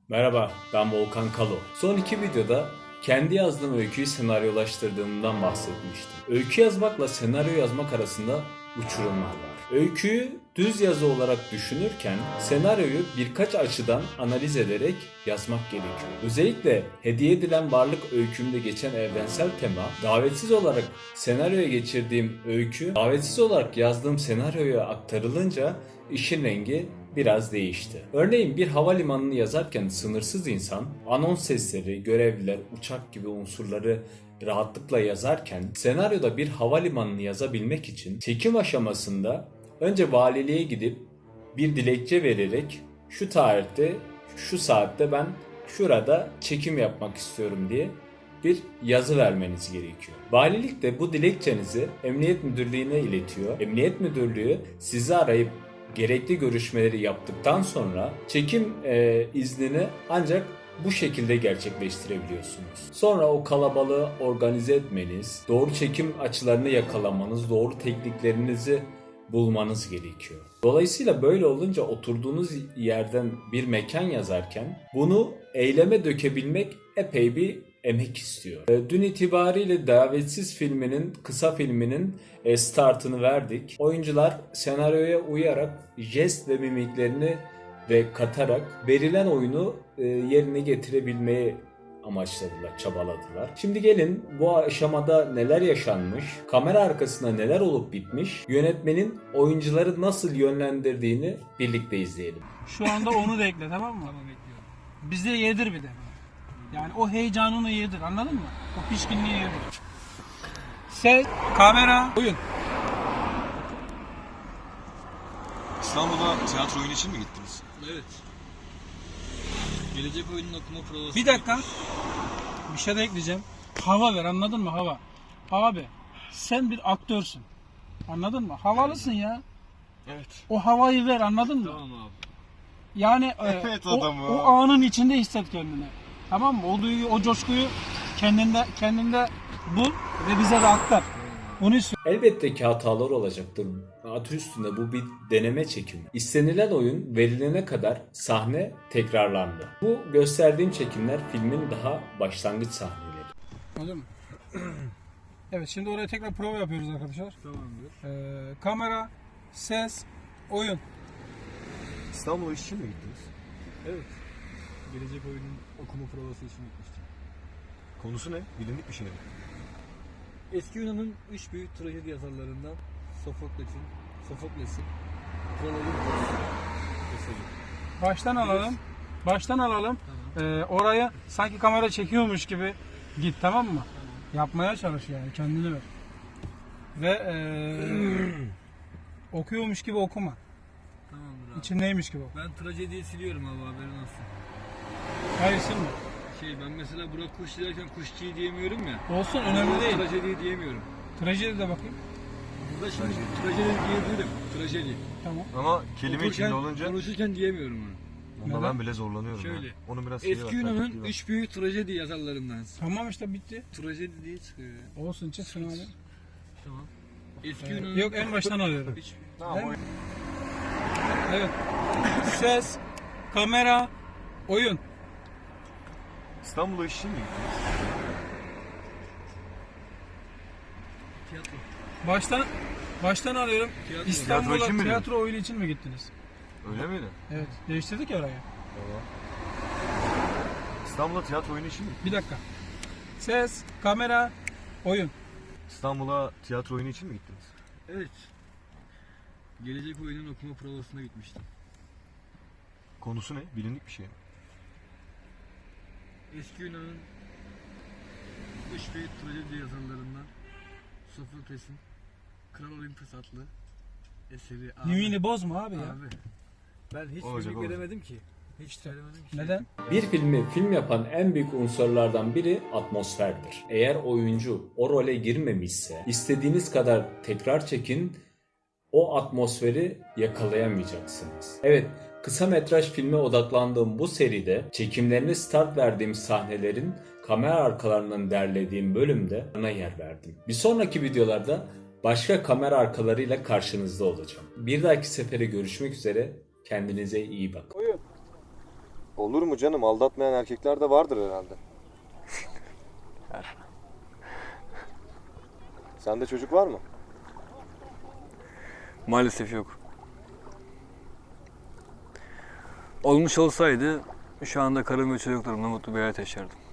Merhaba, ben Volkan Kalo. Son iki videoda kendi yazdığım öyküyü senaryolaştırdığımdan bahsetmiştim. Öykü yazmakla senaryo yazmak arasında uçurumlar var. Öyküyü düz yazı olarak düşünürken senaryoyu birkaç açıdan analiz ederek yazmak gerekiyor. Özellikle hediye edilen varlık öykümde geçen evrensel tema, davetsiz olarak senaryoya geçirdiğim öykü, davetsiz olarak yazdığım senaryoya aktarılınca işin rengi biraz değişti. Örneğin bir havalimanını yazarken sınırsız insan, anons sesleri, görevliler, uçak gibi unsurları rahatlıkla yazarken senaryoda bir havalimanını yazabilmek için çekim aşamasında önce valiliğe gidip bir dilekçe vererek şu tarihte, şu saatte ben şurada çekim yapmak istiyorum diye bir yazı vermeniz gerekiyor. Valilik de bu dilekçenizi Emniyet Müdürlüğü'ne iletiyor. Emniyet Müdürlüğü sizi arayıp gerekli görüşmeleri yaptıktan sonra çekim iznini ancak bu şekilde gerçekleştirebiliyorsunuz. Sonra o kalabalığı organize etmeniz, doğru çekim açılarını yakalamanız, doğru tekniklerinizi bulmanız gerekiyor. Dolayısıyla böyle olunca oturduğunuz yerden bir mekan yazarken bunu eyleme dökebilmek epey bir emek istiyor. Dün itibariyle Davetsiz filminin, kısa filminin startını verdik. Oyuncular senaryoya uyarak jest ve mimiklerini de katarak verilen oyunu yerine getirebilmeyi amaçladılar, çabaladılar. Şimdi gelin bu aşamada neler yaşanmış, kamera arkasında neler olup bitmiş, yönetmenin oyuncuları nasıl yönlendirdiğini birlikte izleyelim. Şu anda onu da ekle, tamam mı? Tamam, bekliyorum. Bize yedir bir de. Yani o heyecanını yedir, anladın mı? O pişkinliği yedir. Ses, kamera, oyun. İstanbul'a tiyatro oyunu için mi gittiniz? Evet. Gelecek oyunun okuma provası. Bir dakika. Bir şey de ekleyeceğim. Hava ver, anladın mı? Hava. Abi sen bir aktörsün. Anladın mı? Havalısın ya. Evet. O havayı ver, anladın mı? Tamam abi. Yani Evet, o, adamı. o anın içinde hisset kendini. Tamam mı? O duyguyu, o coşkuyu kendinde bul ve bize de aktar. Bunu istiyorum. Elbette ki hatalar olacaktır. Adı üstünde bu bir deneme çekimi. İstenilen oyun verilene kadar sahne tekrarlandı. Bu gösterdiğim çekimler filmin daha başlangıç sahneleri. Anladın mı? Evet, şimdi oraya tekrar prova yapıyoruz arkadaşlar. Tamamdır. Kamera, ses, oyun. İstanbul'a iş için mi gittiniz? Evet. Gelecek oyunun okuma provası için gitmiştim. Konusu ne? Bilindik bir şey mi? Eski Yunan'ın üç büyük trajedi yazarlarından Sofokles'in Kral Olimpos eseri. Baştan alalım. Tamam. Orayı sanki kamera çekiyormuş gibi git, tamam mı? Yapmaya çalış yani, kendini ver. Ve okuyormuş gibi okuma. Tamamdır abi. İçindeymiş gibi oku. Ben trajediyi siliyorum abi, haberin olsun. Hayır, silme. Ben mesela Burak Kuş derken kuşçuyu diyemiyorum ya. Olsun, önemli değil. Trajediyi diyemiyorum. Trajedi de bakayım. Burada şimdi trajedi diyebilirim. Trajedi. Tamam. Ama kelime Okurken, içinde olunca konuşurken diyemiyorum onu. onda Neden? ben bile zorlanıyorum. Şöyle. Ya. Onu biraz Eski Yunan'ın üç büyük trajedi yazarlarından. Tamam işte, bitti. Trajedi diye çıkıyor ya. Olsun, çıksın abi. Tamam. Eski Yunan'ın... Yok, en baştan alıyorum. Üç- Tamam, Değil mi? Evet. Ses, kamera, oyun. İstanbul'a iş için mi gittiniz? Tiyatro. Baştan alıyorum. Tiyatro. İstanbul'a Tiyatro için mi tiyatro oyunu için mi gittiniz? Öyle miydi? Evet. Değiştirdik ya orayı. Tamam. İstanbul'a tiyatro oyunu için mi? Bir dakika. Ses, kamera, oyun. İstanbul'a tiyatro oyunu için mi gittiniz? Evet. Gelecek oyunun okuma provasına gitmiştim. Konusu ne? Bilindik bir şey mi? Eski Yunan'ın üç büyük trajedi yazarlarından Sofokles'in Kral Olimpos adlı eseri. Abi, Mimini bozma abi ya. abi. Ben hiç Olacak, mimik olacak. veremedim ki. Hiç söylemedim ki. Neden? Bir filmi film yapan en büyük unsurlardan biri atmosferdir. Eğer oyuncu o role girmemişse istediğiniz kadar tekrar çekin, o atmosferi yakalayamayacaksınız. Evet, kısa metraj filme odaklandığım bu seride çekimlerine start verdiğim sahnelerin kamera arkalarından derlediğim bölümde buna yer verdim. Bir sonraki videolarda başka kamera arkalarıyla karşınızda olacağım. Bir dahaki sefere görüşmek üzere, kendinize iyi bakın. Oyun. Olur mu canım? Aldatmayan erkekler de vardır herhalde. Sende çocuk var mı? Maalesef yok. Olmuş olsaydı şu anda karım ve çocuklarımla mutlu bir hayat yaşardım.